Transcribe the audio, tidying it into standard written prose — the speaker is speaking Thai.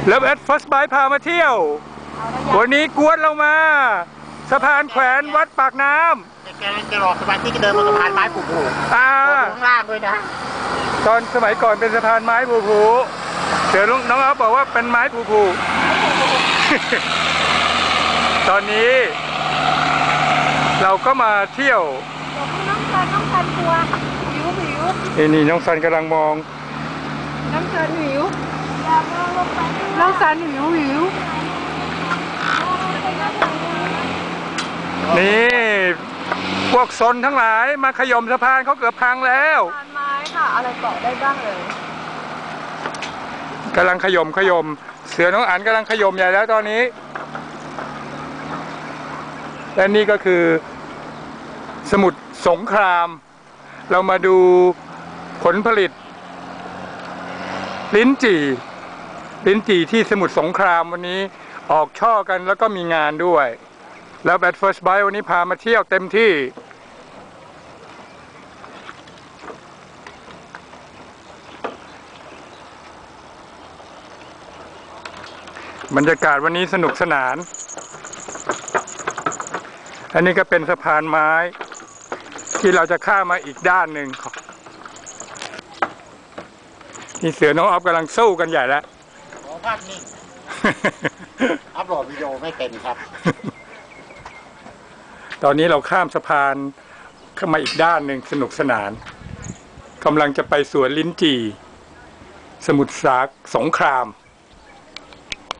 แล้วแอดฟัสไบพามาเที่ยววันนี้กวนเรามาสะพานแขวนวัดปากน้ำแกจะหลอกสะพานที่จะเดินบนสะพานไม้ผูๆข้างล่างด้วยนะตอนสมัยก่อนเป็นสะพานไม้ผูเดี๋ยวน้องอ๊อฟบอกว่าเป็นไม้ผูตอนนี้เราก็มาเที่ยวน้องซันกลัวหิวนี่น้องซันกำลังมองน้องซันหิวน้องซันหิวนี่พวกซนทั้งหลายมาขย่มสะพานเขาเกือบพังแล้วสะพานไม้ค่ะอะไรเกาะได้บ้างเลยกำลังขย่มเสือน้องอั๋นกำลังขย่มใหญ่แล้วตอนนี้และนี่ก็คือสมุทรสงครามเรามาดูผลผลิตลิ้นจี่ที่สมุทรสงครามวันนี้ออกช่อกันแล้วก็มีงานด้วยแล้วแบทเฟิร์สไบท์วันนี้พามาเที่ยวเต็มที่บรรยากาศวันนี้สนุกสนานอันนี้ก็เป็นสะพานไม้ที่เราจะข้ามมาอีกด้านหนึ่งนี่เสือน้องอ๊อฟกำลังสู้กันใหญ่แล้วขอภาพนิ่งอัพโหลดวิดีโอไม่เป็นครับตอนนี้เราข้ามสะพานเข้ามาอีกด้านหนึ่งสนุกสนานกำลังจะไปสวนลิ้นจี่สมุทรสงคราม